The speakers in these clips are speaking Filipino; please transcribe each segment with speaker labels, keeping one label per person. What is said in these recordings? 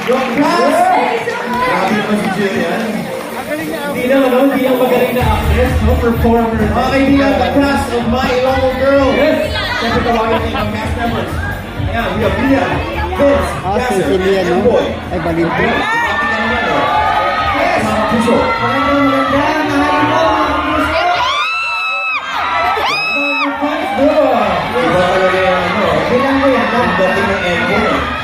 Speaker 1: Yung cast! Grabe naman si Jillian.
Speaker 2: Hindi lang magaling na actress, no? Performer.
Speaker 1: Mga kaibigan, the cast of My Ilonggo Girl.
Speaker 2: Yes!
Speaker 1: Siyempre tawagin natin ang cast members. Ayan, we have Lian, Vince, Gasser,
Speaker 3: Cecilia, no?
Speaker 1: Boy.
Speaker 3: Ay, Balinto.
Speaker 1: Yes! Mga puso. Iba talaga yung ano.
Speaker 2: Bilang ko yan.
Speaker 1: Ang dating ng echo.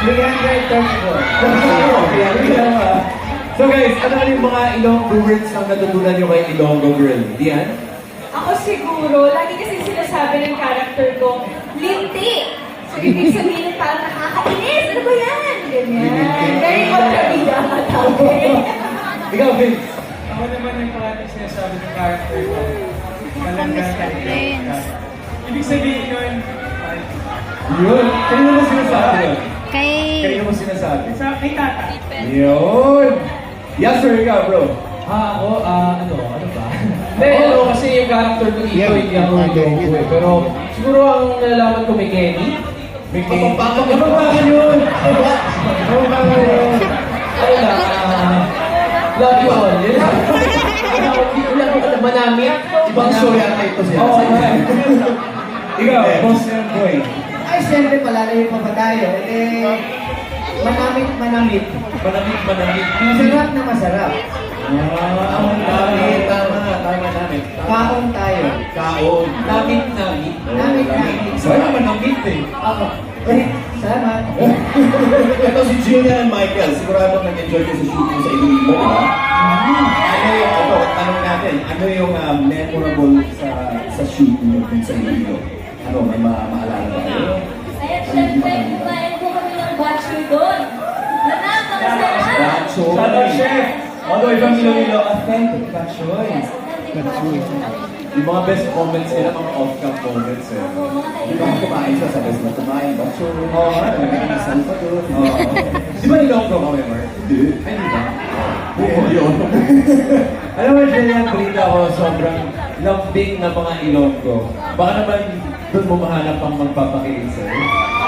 Speaker 2: 334. So guys, ano yung mga Ilonggo words ang natutunan nyo kay Ilonggo Girl? Diyan?
Speaker 4: Ako siguro, lagi kasi sinasabi ng character ko, linti. So, ibig sabihin parang nakakainis. Ano ba yan? Ganyan. Very kontrabida ka tawag.
Speaker 2: Ikaw, Vince.
Speaker 5: Ako naman yung parating sinasabi ng character ko. Malanggan. Ibig sabihin yun,
Speaker 2: Yun. Kanino mo sinasabi?
Speaker 3: Kay...
Speaker 2: Kanino mo sinasabi?
Speaker 5: sa kay tata.
Speaker 2: Yun! Yes sir, ikaw bro.
Speaker 6: Ano ba? Hindi, kasi yung character ko dito,
Speaker 3: Yeah,
Speaker 6: hindi ako Ilonggo eh. Pero siguro ang nalaman ko may Kenny.
Speaker 2: May Kenny.
Speaker 1: Kapampangan
Speaker 2: yun?
Speaker 1: Kapampangan yun.
Speaker 6: Ano lang, love you all. Yun lang. Wala ko alam, manamit.
Speaker 1: Ibang show yata ito siya.
Speaker 6: Oo, right.
Speaker 2: Ikaw, boss and boy.
Speaker 7: Ay, siyempre, palalayo pa ba tayo? Manamit.
Speaker 2: Manamit.
Speaker 7: Masarap na masarap.
Speaker 1: Namit, tama namin.
Speaker 7: Kaon tayo.
Speaker 1: Kaon.
Speaker 6: Namit.
Speaker 7: Namit.
Speaker 2: Sana manamit eh.
Speaker 7: Ako. Salamat.
Speaker 1: Ito si Jillian and Michael. Sigurado nag-enjoy ko sa shooting sa Iloilo, ha? Ano yung, tanong natin, ano yung memorable sa shoot niyo dun sa Iloilo? Ano, may maalala ba kayo?
Speaker 4: Ayan, syempre, kumain po kami ng bachelor doon. Napakasarap.
Speaker 1: Racho.
Speaker 2: Shout out, chef. All the way from Iloilo, authentic Bachoy. Yung mga best comments nila, mga off-cam comments eh.
Speaker 1: Di ba kumain siya, sabi na kumain, bacho.
Speaker 2: Oo,
Speaker 1: Saan pa doon?
Speaker 2: Oo. Di ba Ilonggo kami, Mark?
Speaker 1: Hindi.
Speaker 2: Ay, di ba?
Speaker 1: Oo, yun.
Speaker 2: Alam mo, Jillian, balita ko, sobrang lambing na mga Ilonggo. Baka naman doon mo mahanap ang magpapakilig sa'yo.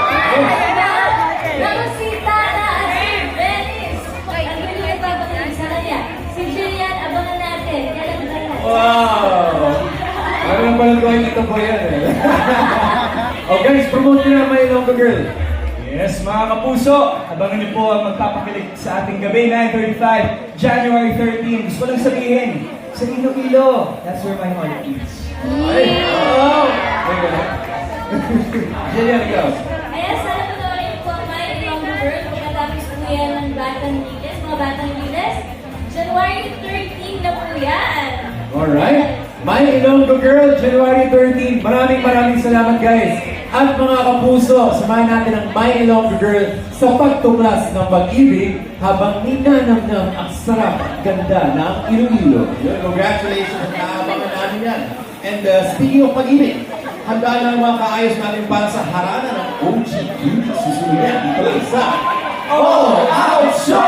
Speaker 4: Nakusita na si Venice. Ang galing yung papakilig sa kanya. Si Jillian, abangan natin. Kailan ba yan?
Speaker 2: Wow! Ano lang pala gawin ito po yan eh. Oh guys, promote nyo na my Ilonggo Girl.
Speaker 5: Yes, mga kapuso, abangan niyo po ang magpapakilig sa ating gabi, 9:35, January 13. Gusto ko lang sabihin, sa Iloilo, that's where my heart is.
Speaker 2: Ay! Wow! Ay, gano'n. Jillian, ikaw.
Speaker 4: Ayan, sana panoorin po ang My Ilonggo Girl. Pagkatapos po yan ng Batang Lides, mga Batang Lides. January 13 na po yan.
Speaker 2: Alright. My Ilonggo Girl, January 13. Maraming salamat guys. At mga kapuso, samahan natin ang My Ilonggo Girl sa pagtuklas ng pag-ibig habang ninanamnam ang sarap at ganda ng Iloilo.
Speaker 1: Yun, congratulations. Naabangan namin yan. And speaking of pag-ibig, handa na ang mga kaayos natin para sa harana ng OG Beauty. Susunod yan dito lang sa All Out Show!